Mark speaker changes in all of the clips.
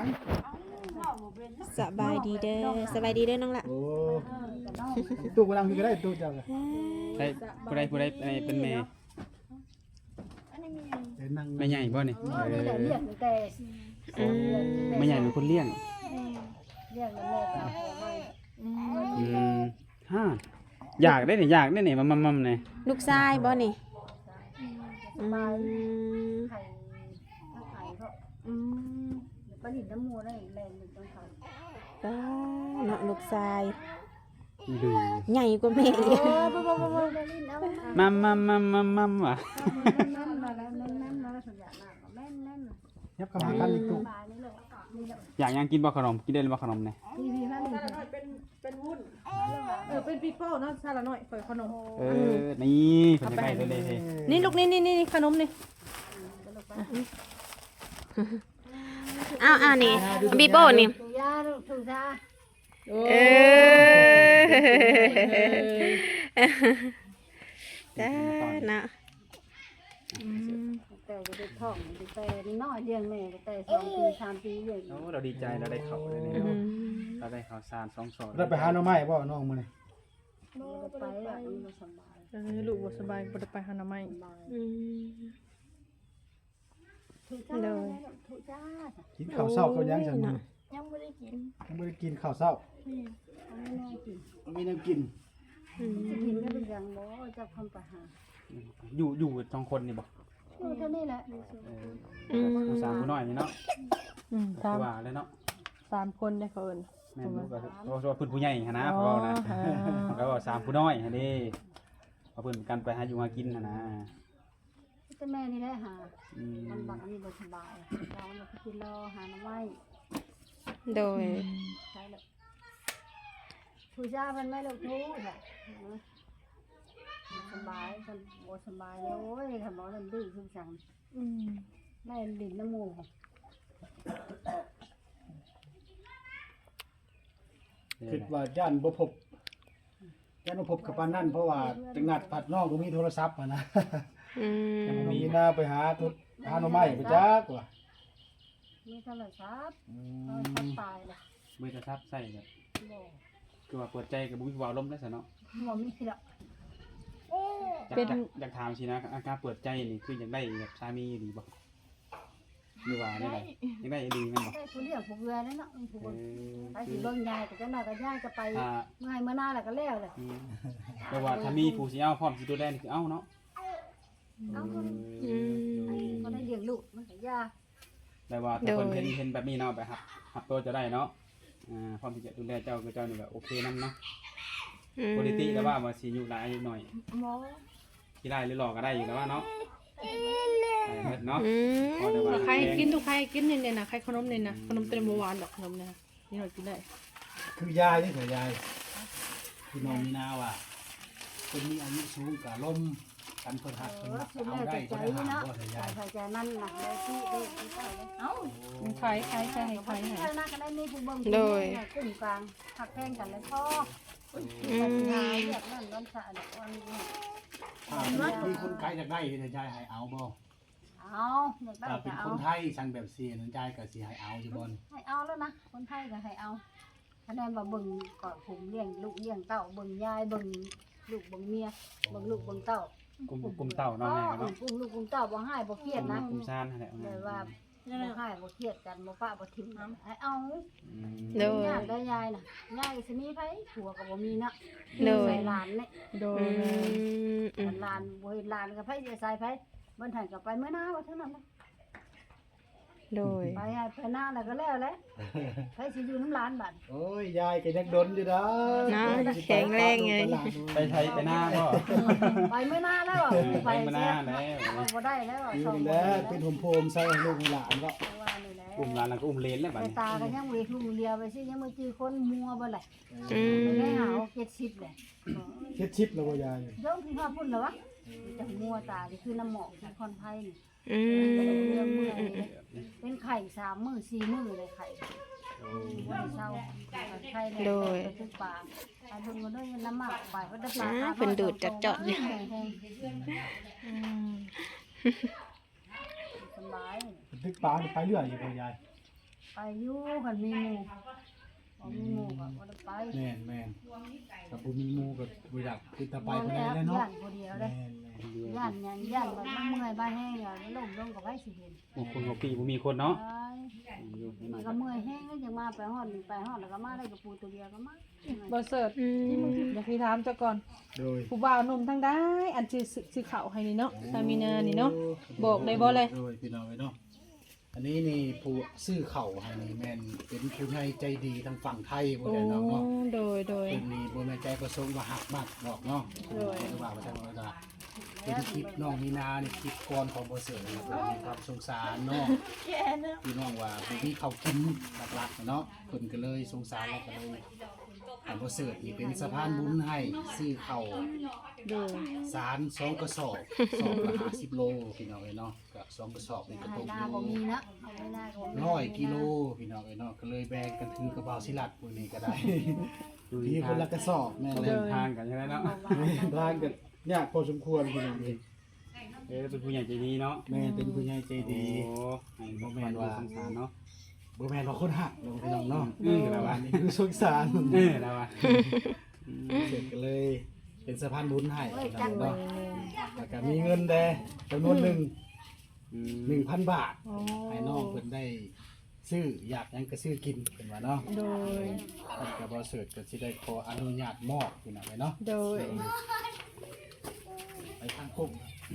Speaker 1: สบายดีเด้อสบายดีเด้อน้องละ
Speaker 2: โอ้ตู้กำลังมีก็ได้ตู้เจ้าก็
Speaker 3: ใช่ผู้ใดเป็นแม่
Speaker 2: เดี๋ยวนั่ง
Speaker 3: แม่ใหญ่บ่นี่
Speaker 4: นี่แหละเลี้ยงแต่
Speaker 3: แม่ใหญ่เป็นคนเลี้ยง
Speaker 4: เลี้ยงแล้วแม่ก็เอาของมา
Speaker 3: ฮะอยากได้นี่มัมนี่
Speaker 1: ลูกชายบ่นี่
Speaker 4: บายไข่ไข่ก็ปลาหินน้ำมูได้แรงหนึ่งต้องทำ
Speaker 1: ป้าเนาะลูกชาย
Speaker 3: ดู
Speaker 1: ใหญ่กว่าแม่อีก
Speaker 3: มัมว่ะ
Speaker 4: นั่นมาแล้วนั่นมาแล้วสัญญาณแม่น
Speaker 2: ยับเข้าหากันอีกตู้
Speaker 4: บายนี่เลยนี่แหละ
Speaker 3: อยากยังกินบ่ขนมกินได้บ่ขนมนี่
Speaker 4: พี่นั่น
Speaker 5: เป็นวุ้นเป็นปีโป้เนาะซาละหน่อยเปิดขนม
Speaker 3: นี่เพิ่นจะได้เลย
Speaker 5: นี่ลูกนี่ขนมนี่
Speaker 1: อ้าวนี่บีโป้นี่
Speaker 4: ถูยาถูยา
Speaker 1: เอจ้านะ
Speaker 4: แต่จะได้ท้องแต่น้อยเลี้ยงแม่แต่2 ปี 3 ปีอย่าง
Speaker 3: โอ้เราดีใจเราได้ข้าวเลยนี่เราได้ข้าวสาร2 ซอง
Speaker 2: ได้ไปหาหน่อไม้บ่น้องมื้อนี้
Speaker 4: ไปอ่ะมันสบาย
Speaker 5: ลูกบ่สบายบ่ได้ไปหาหน่อไม้
Speaker 4: ถูจ้าถูจ้า
Speaker 2: กินข้าวเช้ากับยังจังมื้อ
Speaker 4: ยังไม่ได้กิน
Speaker 2: ยังบ่ได้กินข้าวเช้า
Speaker 4: เอาไม่ได้กิน
Speaker 2: มีน้ำกิน
Speaker 4: จะกินก็เป็นอย่างบ่จะทำประหาร
Speaker 3: อยู่2 คนนี่บ่
Speaker 4: เท่านี้แหละ
Speaker 3: ผู้สาวผู้น้อยนี่เนาะ
Speaker 5: ตาม
Speaker 3: ว่าเลยเนาะ
Speaker 5: 3คนได้เขาเอิ้น
Speaker 3: แม่นบ่ก็ว่าเพิ่นผู้ใหญ่หั่นนะเพราะว่านะแล้วก็3ผู้น้อยหั่นเด้เอาเพิ่นกันไปหาอยู่หากินหั่นนะ
Speaker 4: แต่แม่นี่แหละหามันบักนี่บ่สบายเราเราไปกินรอหาน้ำไม้
Speaker 1: โดย
Speaker 4: ใช่เลยถูจ้ามันไม่เลิกทูแหละสบายกันบ่สบายแล้วโอ้ยทำบ่ได้ดื้อทุกสั่งได้ดินน้ำมูก
Speaker 2: คิดว่าย่านบ่พบกับปานนั้นเพราะว่าจังนัดผัดน้องบ่มีโทรศัพท์อ่ะนะยังบ่มีหน้าไปหาหน่อไม้ไปจักว่า
Speaker 4: มีโทรศัพท์ตายเลย
Speaker 3: มือจะทับใส่แบบ
Speaker 4: บ่
Speaker 3: คือว่าเปิดใจกับบุ้ยว่าลมได้ซะเนาะ
Speaker 4: บ่มีหรอก
Speaker 3: อยากถามสินะอาการเปิดใจนี่คืออยากได้แบบสามีดีบ่หรือว่าได้ไดอยากได้ดีแม่นบ่
Speaker 4: ได้ผู้เลี้ยงผู้เรือนั่นเนาะผู้เบิ่งไปสิเบิ่งยายก็จะน่าก็ยายก็ไปเมื่อให้เมื่อหน้าแล้วก็แล้วเลย
Speaker 3: แต่ว่าถ้ามีผู้สิเอาพร้อมสิดูแลนี่คือเอาเนาะ
Speaker 4: เอาก็ได้เลี้ยงลูกมันก็ยา
Speaker 3: แต่ว่าถ้าเพิ่นเห็นแบบนี้เนาะแบบรับตัวจะได้เนาะพร้อมที่จะดูแลเจ้าคือเจ้านี่แบบโอเคนำเนาะปกติแล้วว่าสิอยู่หลายอายุหน่อย
Speaker 4: หมอ
Speaker 3: ที่ได้หรือหลอกก็ได้อยู่แล้วว่าเนาะเนาะพอแต่ว่า
Speaker 5: ใครกินทุกใครกินนี่นะใครขนมนี่นะขนมเต็มบ่หวานดอกขนมนี่นะนี่เรากินได้
Speaker 2: คือยายนี่เถอะยายพี่น้องมีนาว่าคนมีอายุสูงก็ล้มกันเพิ่นหักเพิ่นรัก
Speaker 4: คือ
Speaker 2: เอา
Speaker 4: แม่
Speaker 2: ได้
Speaker 4: ใจ
Speaker 2: เพิ่น
Speaker 4: นี่
Speaker 2: หา
Speaker 4: เนาะ
Speaker 2: บ่เถอะยาย
Speaker 4: ใส่ใจนั่นน่ะได้ที่ได้เอ้า
Speaker 5: ใครใครใช่ใคร
Speaker 4: ใครน่าก็ได้มีผู้เบิ่งกลุ่มกลางหักแพงกันเลยพ่อปัญหาเรียกนั่นร้อนสะดอกวันนี้
Speaker 2: มีคนไกลจากได้เถอะยายให้เอาบ่
Speaker 4: เอาอยากได้
Speaker 2: ถ้าเป็
Speaker 4: ก็
Speaker 2: น
Speaker 4: เอา
Speaker 2: คนไทยสั่งแบบเสียนั่นยายก็สิให้เอาอยู่บ่
Speaker 4: ให้เอาแล้วนะคนไทยก็ให้เอาคะแนนว่าเบิ่งก่อนผมเลี้ยงลูกเลี้ยงเต้าเบิ่งยายเบิ่งลูกเบิ่งเมียเบิ่งลูกเบิ่งเต้าก
Speaker 3: ลุ่มเต่าเนาะแม่เนาะ
Speaker 4: กุ้งลูกกุ้งเต้าบ่ให้บ่เครียดนะ
Speaker 3: กลุ่มซ่านนั่นแหละ
Speaker 4: เลยว่าบ่ให้บ่เครียดกันบ่ปะบ่ทิ้งให้เอา
Speaker 1: โดย
Speaker 4: ญาติได้ยายน่ะยายสิมีไผผัวก็บ่มีนะ
Speaker 1: โดย
Speaker 4: ใส่หลานนี่
Speaker 5: โดย
Speaker 4: หลานบ่เห็นหลานก็ไผสิใส่ไผมันทันก็ไปเมื่อหน้าว่าเท่านั้นนะ
Speaker 1: โดย
Speaker 4: ไปให้ไปหน้าแล้วก็แล้วแหละไผสิอยู่น้ำหลานบัด
Speaker 2: โอ้ยยายก็ยังดนอยู่นะ
Speaker 1: แข็งแรงไง
Speaker 3: ไปไทยไปหน้าก็
Speaker 4: ไปเมื่อหน้าแล้วอ่ะ
Speaker 3: ไปมาหน้าแล้ว
Speaker 4: เอาบ่ได้แล้ว
Speaker 2: นี่
Speaker 4: สอง
Speaker 2: แหละเป็นโฮมใส่ให้ลูกให้หลานก็
Speaker 4: ว่านี่แหละ
Speaker 3: กลุ่มร้านแล้วก็อุ้มเลนแล้วบัด
Speaker 4: ไป
Speaker 3: นี้
Speaker 4: ตากันยังเวทุเรียไปสิยังมือจือคนมัวบ่ไหล
Speaker 1: อืม
Speaker 4: ได้หา70เลย
Speaker 2: เฮ็ดชิปแล้วบ่ยาย
Speaker 4: เดี๋ยวพี่พ่อพูดแล้ววะจะมัวตานี่คือน้ำหมอกที่คอนไผ่นี่
Speaker 1: อืม
Speaker 4: เรื่องเมื่อยเป็นไข่3 มื้อ4 มื้อเลยไข่บ่ได้เศร้าไข่เลยเป็นปลาไปเบิ่งกันด้วยน้ำหมากไปก็ได้ปลา
Speaker 1: เป็นดูดจัดจอดเนี่ย
Speaker 4: สบาย
Speaker 2: ตึกปลาไปเรื่อยอยู่บ่ยาย
Speaker 4: ไปอยู่กันมีหมู่บ่มีหมู่ก็บ่ได้ไป
Speaker 2: แม่นกับบ่มีหมู่ก็บ่อยากคือตาไป
Speaker 4: บ่
Speaker 2: คน
Speaker 4: แล้
Speaker 2: ใด
Speaker 4: ว
Speaker 2: แล้วเนาะ
Speaker 4: ย่านผู้เดียวเด้
Speaker 2: แม่น
Speaker 4: ย่านหยังย่านมันเมื่อยบ้านแห้งอย่าล้มลงกับไว้สิเห็น
Speaker 3: บางคนบ่ปีบ่มีคนเนาะ
Speaker 4: ไป
Speaker 3: อยู่ที่ไหน
Speaker 4: ก็เมื่อยแห้งก็ยังมาไปฮอดแล้วก็มาได้กับปูตัวเดียวก็มา
Speaker 5: บ่เสิร์ชอยากให้ถามเจ้าก่อน
Speaker 2: โดย
Speaker 5: ผู้บ่าวหนุ่มทั้งได้อันซื้อข้าวให้นี่เนาะซามีนานี่เนาะบอกได้บ่เลย
Speaker 2: โดยพี่น้องเนาะอันนี้นี่ผู้ซื้อเข่าให้นี่แม่นเป็นผู้ใหญ่ใจดีทางฝั่งไทยบ่
Speaker 5: โอ้
Speaker 2: ได้เนาะ
Speaker 5: โดย
Speaker 2: เป็นนี่บ่แม่นใจประสงค์ว่าหักมากดอกเนาะ
Speaker 5: โดย
Speaker 2: หรือว่าทางว่าเป็นคลิปน้องมีนานี่คลิปก่อนของบ่เสือนะครับมีความสงสารเนาะพี่น้องว่าบ่มีข้าวกินหลักๆเนาะเพิ่นก็เลยสงสารแล้วก็เลยอันบ่เสือนี่เป็นสะพานบุญให้ซื้อข้าว
Speaker 5: โดย
Speaker 2: สาร2กระสอบสอบละ50โลพี่น้องเอ้ยเนาะก็2กระสอบนี่ก็ตก
Speaker 4: หน้า
Speaker 2: อยู่
Speaker 4: บ่มีนะเอาไว้หน้าก็บ่มี
Speaker 2: 100กิโลพี่น้องเอ้ยเนาะก็เลยแบ่งกันถือกระเป๋าสิลัดมื้อนี้ก็ได้
Speaker 3: อยู่
Speaker 2: ที
Speaker 3: ที่
Speaker 2: คนละกระสอบแม่นเล
Speaker 3: เดิ
Speaker 2: ย
Speaker 3: นทางกันใช่ไหมเนาะ
Speaker 2: ทางก็ยากพอสมควรพี่น้องเอ้ย
Speaker 3: เป็นผู้ใหญ่ใจดีเนาะ
Speaker 2: แม่เป็นผู้ใหญ่ใจดี
Speaker 3: โอ้ให้บ่แม่นว่าสงสารเนาะ
Speaker 2: บ่แม่นว่าคนหักเนาะพี่น้องเนาะ
Speaker 3: แล้วว่า
Speaker 2: อันนี้คือสงสาร
Speaker 3: แล้วว่า
Speaker 2: เสร็จก็เลยเป็นสะพานบุญให้
Speaker 4: เอ้ย
Speaker 2: พี่
Speaker 4: จั
Speaker 2: น้
Speaker 4: ง
Speaker 2: อง
Speaker 4: เลย
Speaker 2: เนาะแล้วก็มีเงินแดจำนวนหนึ่ง 1,000 บาท
Speaker 5: อ๋อ
Speaker 2: ให้น้องเพิ่นได้ซื้ออยากหยังก็ซื้อกินเพิ่นว่าเนาะ
Speaker 5: โดย
Speaker 2: เพิ่นก็บ่เสิร์ชก็สิได้ขออนุญาตมอบพี่น้องเนาะ
Speaker 5: โดย
Speaker 2: ไปทางปุ๊บ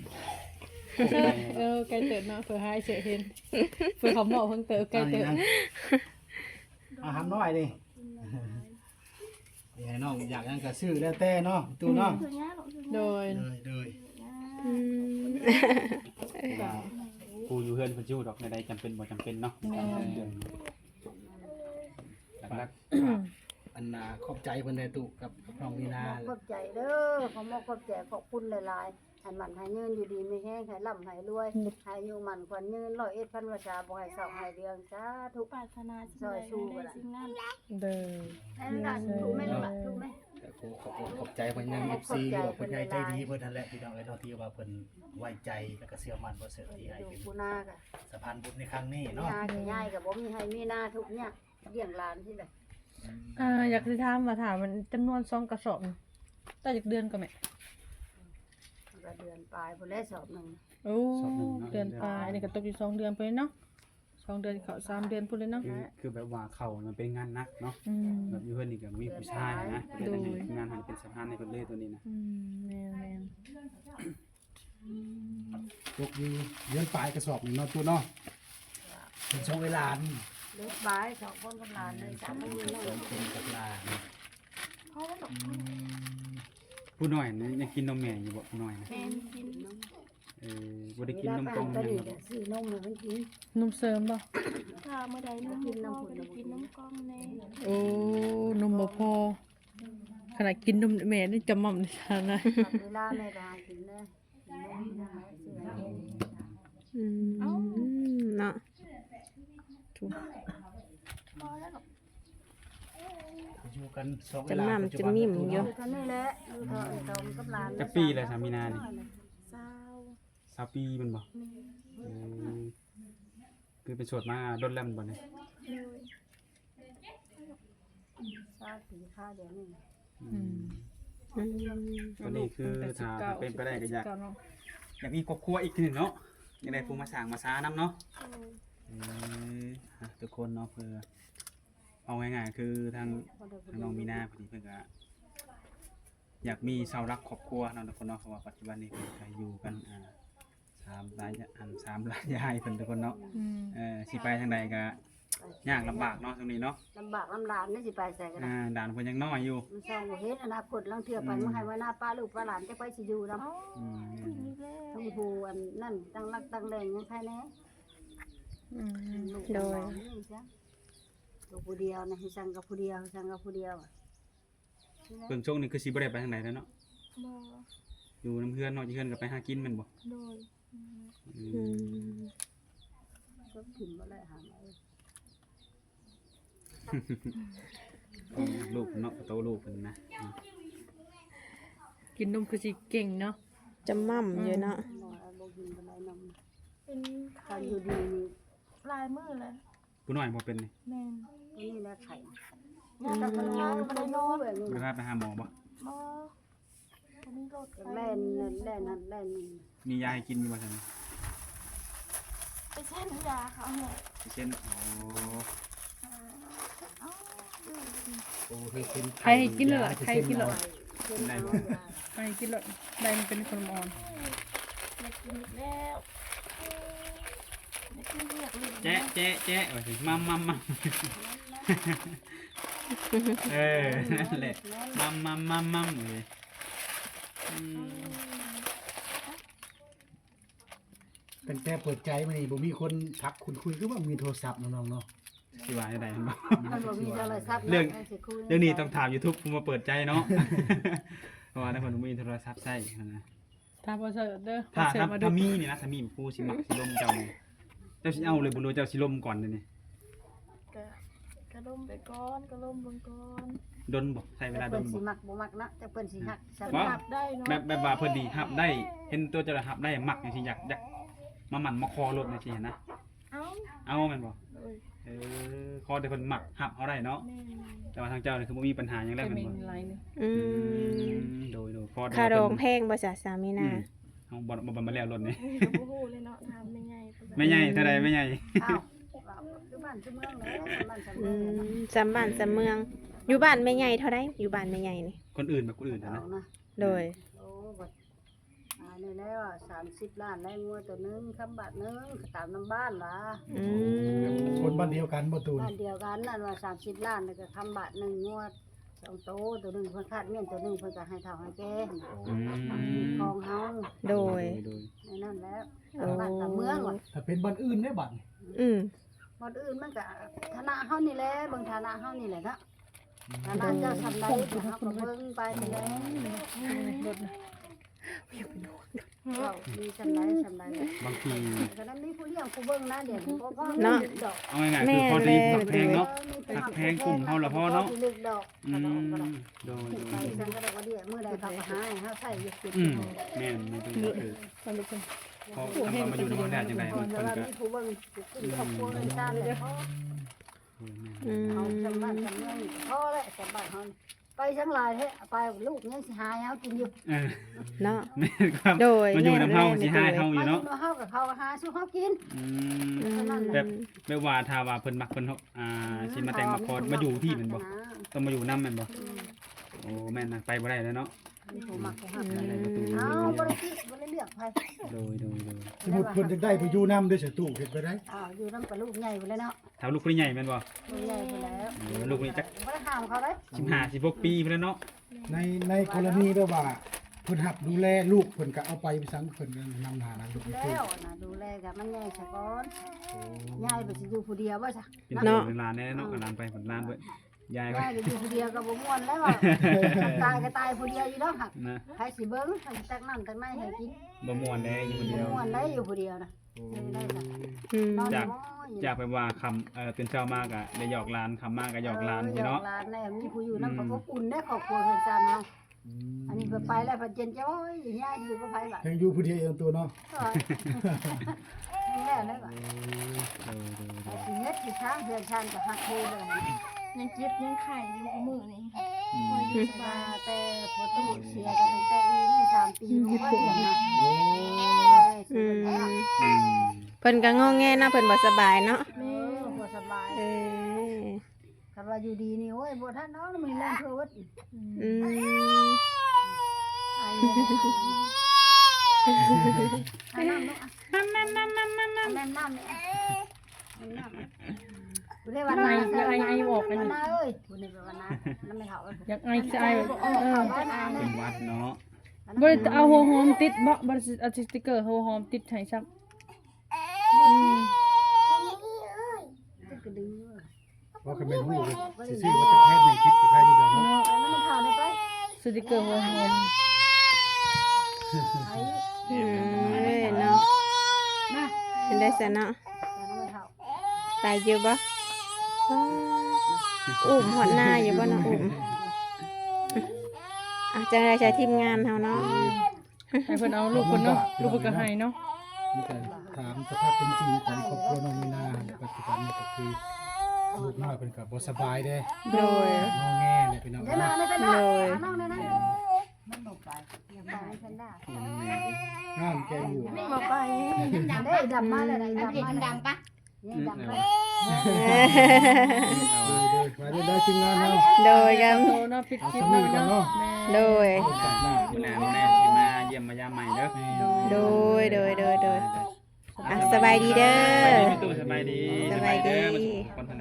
Speaker 5: ไกลเติบเนาะเผื่อให้เสียเห็นเผื่อเขาเหมาะเพิ่งเติบไกลเติบ
Speaker 2: อาหารน้อยนี่นี่ให้น้องอยากหยังก็ซื้อแล้วแต่เนาะตู้เนาะ
Speaker 5: โดย
Speaker 2: เลย
Speaker 1: อืม
Speaker 3: กูอยู่เฮือนเพิ่นอยู่ดอกในใดจำเป็นบ่จำเป็นเนาะหลัก
Speaker 2: อันน่ะขอบใจเพิ่นได้ตู้กับน้องมีนา
Speaker 4: ขอบใจเด้อขอมขอบใจขอบคุณหลายๆให้มันให้ยืนอยู่ดีไม่แห้งให้ร่ำให้รวยให้อยู่มันขวัญยืน101พันประชาบ่ให้เศร้าให้เดืองจ้าทุก
Speaker 6: ปรารถนาสิ่งใดได้สิ่งนั้น
Speaker 5: โดย
Speaker 4: นั่นล่ะถูกไหมล่ะถูกไหม
Speaker 2: แต่กูขอบใจเพิ่นยัง FC หรือว่าเพิ่นใหญ่ใจดีเพิ่นนั่นแหละพี่น้องเอ้ยเนาะที่ว่าเพิ่นไว้ใจแล้วก็เชื่อมั่นบ่เสือที่ให้
Speaker 4: อยู่
Speaker 2: เป็น
Speaker 4: กูนาก็
Speaker 2: สะพานบุญในครั้งนี้
Speaker 4: มี
Speaker 2: เนาะ
Speaker 4: นาก็ง่ายก็บ่มีให้มีนาทุกเนี่ยเลี้ยงหลานที่ใด
Speaker 5: อยากสิถามมันจำนวน2กระสอบต่อจากเดือนก็แม่
Speaker 4: ก็เดือนปลายพุ่นแล้วสอบหนึง
Speaker 5: โอ้เดือนปลายนี่ก็ตกอยู่2เดือนไปเนาะ2เดือนเข้า3เดือนพุ่นเลยเนาะ
Speaker 3: คือแบบว่าเขามันเป็นงานหนักเนาะ
Speaker 5: อืม
Speaker 3: แบบอยู่เฮือนนี่ก็มีผู้ชายนะเป็นงานหันเป็นสะพานในเพิ่นเลยตัวนี้นะ
Speaker 5: แม่น
Speaker 2: ตกอยู่เดือนปลายกระสอบหนึงเนาะตู้เนาะเป็นช่วงเวลานี่
Speaker 4: เด็กปลาย2คนกับหลานเลย3มื้อ
Speaker 2: สองคนกับหลาน
Speaker 3: ผู้น้อยนี่ยังกินนมแม่อยู่บ่ผู้น้อยนะ
Speaker 6: แม่นกิน
Speaker 3: บ่ได้กินนมกล่อง
Speaker 4: ก็
Speaker 3: ยัง
Speaker 4: นี่
Speaker 3: บ่
Speaker 4: ซื้อนมให้มันกิน
Speaker 5: ๆนมเสริมบ่
Speaker 6: ถ้าเมื่อใดนุ่มพ่อก็ได้กินน้ำกล้องแน่
Speaker 5: โอ้นมบ่พอขนาดกินนมแม่นี่จะม่อมดิฉันนะ
Speaker 4: ตัดเวลาแม่ก็หากินนะกินนมนะซื้อให้
Speaker 1: อืมเนาะ
Speaker 6: พอแล้ว
Speaker 2: อยู่กันสองเว
Speaker 1: จะ
Speaker 2: ลา
Speaker 1: ม่ำจะมิ่มอยู่
Speaker 4: อยู่เท่านี้แหละอยู่เท่าไอ้ตอมกับหลาน
Speaker 3: จักปีเลยสามีนานี่
Speaker 6: เศร้า
Speaker 3: 20ปีมันบ่คือเป็นโสดมาดนแล้วมันบ่เนี่ย
Speaker 4: ชาติค่าเดี๋ยวนี้
Speaker 1: อืม
Speaker 3: ตัวนี้คือถ้าเป็นไปได้ก็อยาก
Speaker 5: เนาะ
Speaker 3: อยากมีครอบครัวอีกทีหนึงเนาะอยากได้ผู้มาสร้างมาซานํเนาะทุกคนเนาะเพื่อเอาง่ายๆคือทางน้องมีนาพอดีเพิ่นก็อยากมีเสาหลักครอบครัวเนาะทุกคนเนาะเพราะว่าปัจจุบันนี้เพิ่นก็อยู่กัน3หลาย3หลายยายเพิ่นทุกคนเนาะสิไปทางใดก็ยากลำบากเนาะตรงนี้เนาะ
Speaker 4: ลำบากลำหลานนี่สิไปใส่กัน
Speaker 3: ด่านเพิ่นยังน้อยอยู่
Speaker 4: มันส่องบ่เฮ็ดอนาคตลังเทื่อไปมันให้ไว้หน้าป้าลูกป้าหลานจะไปสิอยู่นำ
Speaker 3: อืม
Speaker 6: อีกแล้ว
Speaker 4: ทั้งผู้อันนั่นตั้งรักตั้งแรงยังใครแน่ลูกหลานนี่จ้ะลูกผู้เดียวนะให้สั่งกับผู้เดียวสั่งกับผู้เดียว
Speaker 3: เบิ่งช่วงนี้คือสิบ่ได้ไปทางใดแล้วเนาะ
Speaker 6: บ่
Speaker 3: อยู่น้ำเพื่อนเนาะอยู่เพื่อนก็ไปหากินแม่นบ่
Speaker 6: โดย
Speaker 3: อื
Speaker 1: อื
Speaker 3: ม
Speaker 1: ม
Speaker 4: ก็ถิ่มบ่ได้หาไว้
Speaker 3: ลูกเนาะโตลูกเพิ่นนะ
Speaker 5: กินนมคือสิเก่งเนาะ
Speaker 1: จะม่ำอยู่เนาะ
Speaker 4: บ่บ่กินบ่ได้นม
Speaker 6: เป็น
Speaker 4: คั
Speaker 6: ไข่
Speaker 4: นอยู่ดีนี่
Speaker 6: ลายมือเลย
Speaker 3: ผู้น้อยบ่เป็นนี่
Speaker 6: แม่น
Speaker 4: นี่แหละไข่
Speaker 6: งานกับพนักงานบ่ได้นอน
Speaker 4: แบบนี้
Speaker 3: บ่ได้พาไปหาหมอบ่
Speaker 6: บ่บ่มีรถไป
Speaker 4: แล่นนั่นแล่นนี่
Speaker 3: มียาให้กินอยู่บ่ซั่น
Speaker 6: ไปเส้นยาเขาเนี่ย
Speaker 3: สิเช่นอ๋อ
Speaker 2: โอ้คือเป็น
Speaker 5: ใครให้กินเลยล่ะใครให้กินเลย
Speaker 3: กินได้บ่
Speaker 5: ใครให้กินเลยได้มันเป็นคนอ่อน
Speaker 6: อยากกินอีกแล้วอยากกินเรียกลิ้น
Speaker 3: แจ๊ะแจ๊ะแจ๊ะว่าสิมัมเออนั่นแหละมัมเลยอืม
Speaker 2: ตั้งแต่เปิดใจมานี่บ่มีคนทักคุณคุยคือว่ามีโทรศัพท์น้องๆเนาะ
Speaker 3: สิว่าได้บ่
Speaker 4: มันบ่มีโทรศัพท์
Speaker 3: เรื่องนี้ต้องถาม YouTube ผมมาเปิดใจเนาะ เพราะว่าถ้าคนบ่มีโทรศัพท์ใช้นะ
Speaker 5: ถ้าบ่เสิร์ชเด้อ
Speaker 3: ถ้า
Speaker 5: เสิร์ชมาดู
Speaker 3: ถ้ามีนี่นะถ้ามีผู้สิมักสิลมเจ้านี่เจ้าสิเอาเลยบ่รู้เจ้าสิลมก่อนเลยนี่
Speaker 6: กระดมไปก่อนกระดมเบิ่งก่อน
Speaker 3: ดนบ่ใช้เวลาด
Speaker 4: เพิ่น
Speaker 3: น
Speaker 4: สิ
Speaker 3: บ่
Speaker 4: มักบ่มักนะแต่เพิ่นสิฮักส
Speaker 3: บ่
Speaker 6: รับได้เนาะ
Speaker 3: แบบว่าเพิ่นดีฮับได้ เห็นตัวเจ้าฮับได้มักจังซี่อยากมาหมั่นมาคอรถจังซี่นะ
Speaker 6: เอ้า
Speaker 3: เอาแม่นบ่
Speaker 6: เอ้ย
Speaker 3: คอแต่เพิ่นมักฮับเอาได้เนาะ
Speaker 6: แม่น
Speaker 3: แต่ว่าทางเจ้านี่คือบ่มีปัญหาหยัง
Speaker 5: แต่
Speaker 3: แล้วแม่
Speaker 5: มี
Speaker 3: นบ่
Speaker 5: หลายนี่
Speaker 1: อืม
Speaker 3: โดยพอ
Speaker 1: ค่าดองแพงบ่จ้ะสามีนา
Speaker 3: เฮาบ่มาแล้วรถนี่
Speaker 6: ก็บ่ฮู้เลยเนาะถามแม่ใหญ่
Speaker 3: แม่ใหญ่เท่าใดแม่ใหญ่
Speaker 4: อ้าวคือบ้านคือเมืองเลยบ้านสำ
Speaker 1: อื
Speaker 4: เมือง
Speaker 1: มสำบ้านสำเมือง อยู่บ้านแม่ใหญ่เท่าใดอยู่บ้านแม่ใหญ่นี่
Speaker 3: คนอื่นแบบคนอื่น
Speaker 4: เอา
Speaker 3: นะ
Speaker 4: นะ
Speaker 1: โดย
Speaker 4: โอ้บัดนี่แล้ว30 ล้านได้งัวตัวนึงคำบาทนึงตามน้ำบ้านล่ะ
Speaker 1: อืม
Speaker 2: คนบ้านเดียวกันบ่ตูน
Speaker 4: บ้านเดียวกันนั่นว่า30 ล้านแล้วก็คำบาทนึงงัว2โตตัวนึงเพิ่นคาดเมียนตัวนึงเพิ่นก็ให้เท่าให้แก่
Speaker 3: อืม
Speaker 4: ของเฮา
Speaker 1: โดย
Speaker 4: ในนั่นแล้ว
Speaker 1: โอ้
Speaker 4: บ้านตามเมืองว่ะ
Speaker 2: ถ้าเป็นบ้านอื่นได้บัดนี่
Speaker 1: อืม
Speaker 4: บ่อื่นมันก็ฐานะเฮานี่แหละเบิ่งฐานะเฮานี่แหละเนาะฐานะเจ้าทำได้เฮาก็เบิ่งไปนี่แหละ
Speaker 5: รถนะ
Speaker 4: เรามีสำไรสำไร
Speaker 3: บางที
Speaker 4: ก็นั้นมีผู้เลี้ยงผู้เบิ่งนะเดี๋ยวนี้ก็
Speaker 1: เนาะ
Speaker 4: ดอก
Speaker 3: เอาง่ายๆคือพอดีผักแพงเนาะ ผักแพงกลุ่มเฮาละพอเนาะ
Speaker 4: ลึกดอก
Speaker 3: อื
Speaker 4: กระดอก
Speaker 3: ม
Speaker 4: กระดอก
Speaker 3: โดย
Speaker 4: ไปสังกระดอกกระเดี่ยมื้อใดเขาก็หาให้เฮาใช้อยู่กิน
Speaker 3: อืมแม่นไม่ต้องคือ
Speaker 5: มันเป็นคน
Speaker 3: พอทำมาอยู่ในห้องแรกจังได๋
Speaker 4: ค
Speaker 3: มัน น
Speaker 4: แต่
Speaker 3: เพิ่น
Speaker 4: ว่า
Speaker 3: ก็
Speaker 4: มีผู้เบิ่งกินครอบครัวเงินชาติเลยเขา
Speaker 1: อืม
Speaker 4: เอาจำบ้านจำเมืองพอแล้วจำบ้านเฮาไปทั้งหลายเฮ้ไปลูกยังสิหาให้เฮากินอยู่
Speaker 3: เออ
Speaker 1: เนาะ
Speaker 3: แม่นครับ
Speaker 1: โดย
Speaker 3: มันอยู่นำเฮาสิหาเฮาอยู่
Speaker 4: มา
Speaker 3: เนาะ
Speaker 4: อยู่เฮากับเขาหาสู้เฮากิน
Speaker 3: อื
Speaker 1: อื
Speaker 3: ม
Speaker 1: ม
Speaker 3: แบบว่าถ้าว่าเพิ่นมักเพิ่นสิมาแต่งมาคอมาอยู่ที่แม่นบ่ต้องมาอยู่นำแม่นบ่โอ้แม่นนะไปบ่ได้แล้วเนาะ
Speaker 4: มีผู้มักผู้หัก
Speaker 3: นั่นแหละประตู
Speaker 4: เอาบ่ได้คิดบ่ได้เลือกไผ
Speaker 3: โดย
Speaker 2: สมมุติเพิ่นจะได้ไปอยู่นำด้วยสิตู้เฮ็ดไปได้
Speaker 4: อ้าวอยู่นำกับลูกใหญ่ไปเลยเนาะ
Speaker 3: ถ้าลูกคนใหญ่แม่นบ่
Speaker 4: ลูกใหญ่ไปแล้ว
Speaker 3: ลูกนี่จัก
Speaker 4: บ่ได้ห้ามเขาเลย
Speaker 3: 15 16ปีพุ่นแล้วเนาะ
Speaker 2: ในกรณีแบบว่าเพิ่นหับดูแลลูกเพิ่นก็เอาไปสังเพิ่นก็นำหานะลูก
Speaker 4: แล้วนะดูแลกับมันใหญ่ซะก่อนใหญ่ไปสิอยู่ผู้เดียวบ่ซะ
Speaker 3: เป็นเนาะหลานแน่เนาะหลานไปผลหลานด้วยยาย
Speaker 4: ให
Speaker 3: ไป
Speaker 4: ญ่ไปอยู่ผู้เดียวก็บ่ม่วนแล้วว่าตายก็ตายผู้เดียวอยู่แล้วหัก
Speaker 3: นะ
Speaker 4: ใครสิเบิ่งให้ตักน้ำตักในให้กิน
Speaker 3: บ่ม่วนได้อยู่คนเดียว
Speaker 4: ม่วนได้อยู่ผู้เดียวนะได้ซะ
Speaker 1: อืม
Speaker 4: นอน
Speaker 3: จาก
Speaker 4: น้อย
Speaker 3: จากไปว่าคำตื่นเช้ามากอะได้หยอกหลานคำมากก็หยอกหลานพี่เนาะ
Speaker 4: หยอกหลานแน่มีผู้อยู่นำก็อบอุ่นได้ครอบครัวเพิ่นซั่นเนาะอันนี้เพิ่นไปแล้วเพิ่นเจนจ้อยอย่างเงี้ยอยู่กับไผล่ะ
Speaker 2: ยังอยู่ผู้เดียวเองตัวเนาะ
Speaker 4: นี่แหละเลยว่ะสิเฮ็ดสิช้างเฮือนชานก็ฮักโคเลย
Speaker 6: ยังเจ็บยังไข้อยู่กับมือนี่
Speaker 4: มาแต่พอตู้เสียกันตั้งแต่นี่3 ปีบ่ว่าเดือนนะ
Speaker 1: อืมเพิ่นก็งอแงเนาะเพิ่นบ่สบายเนาะ
Speaker 4: แม่บ่สบาย
Speaker 1: เออ
Speaker 4: คันว่าอยู่ดีนี่โอ้ยบ่ทันเนาะมีแรงเพิ่น
Speaker 1: อืม
Speaker 4: ไอ้น้ำเนาะน้ำน้ำเรียกว่านาเอ้ยคุณนี่เป็นว่านาน้ำไม่เท่า
Speaker 5: อยากไอจะไอ
Speaker 4: บ้านอา
Speaker 3: เป็นวัดเนาะ
Speaker 5: บ่ได้เอาหัวหอมติดบ่บ่ได้เอาสติ๊กเกอร์หัวหอมติดให้ซัก
Speaker 4: กระดือ
Speaker 2: ว่าก็เป็นฮู้สิซื้อมาจากแพทย์ในคิดกับใครอยู่เด้อเนาะ
Speaker 4: น้ำไม่เท่าได้ไป
Speaker 5: สติ๊กเกอร์หัวหอม
Speaker 4: ไอ้
Speaker 1: อืมเนาะ
Speaker 4: มา
Speaker 1: เห็นได้ซะเนาะ
Speaker 4: น้ำไม่เท่า
Speaker 1: ตายอยู่บ่อุ้มหอดหน้าอยู่บ่เนาะอุ้มอ่ะจังได๋ใช้ทีมงานเฮาเนาะ
Speaker 5: ให้เพิ่นเอาลูกเพิ่นเนาะลูกเพิ่นก็ให้เนาะ
Speaker 2: มีแต่ถามสภาพเป็นจริงของครอบครัวน้องมีนาปัจจุบันนี่ก็คือลูกน้อยเป็นกับบ่สบายเด้
Speaker 1: โดย
Speaker 2: งอแงเนี่ยพี่น้อง
Speaker 4: เดี๋ยวน้อง
Speaker 2: นะ
Speaker 4: ไม่เป็นไร
Speaker 1: เลย
Speaker 4: น้องได้นะมันบอกไปอย่าไปไม่เป็นไร
Speaker 2: งามแกอยู่
Speaker 6: ไม่มาไป
Speaker 4: ได้ดำมาเลยดำมาดำปะนี่ดำมา
Speaker 2: เด้อมาได้ทีมงานเนาะ
Speaker 1: โดยกัน
Speaker 5: โตเนาะปิด
Speaker 2: เอา
Speaker 5: คลิป
Speaker 2: สำนึ
Speaker 5: เนาะ
Speaker 2: กกัน
Speaker 5: เนาะ
Speaker 2: เนาะ
Speaker 1: โดย
Speaker 2: จัดหน้า
Speaker 3: มื้อหน้าสิมาเยี่ยมมายามใหม่เด้อ
Speaker 1: โดยอ่ะสบายดีเด้อ
Speaker 3: สบายดีพี่ตู้สบายดี
Speaker 1: สบายดี
Speaker 3: เอมาสู่คนทาง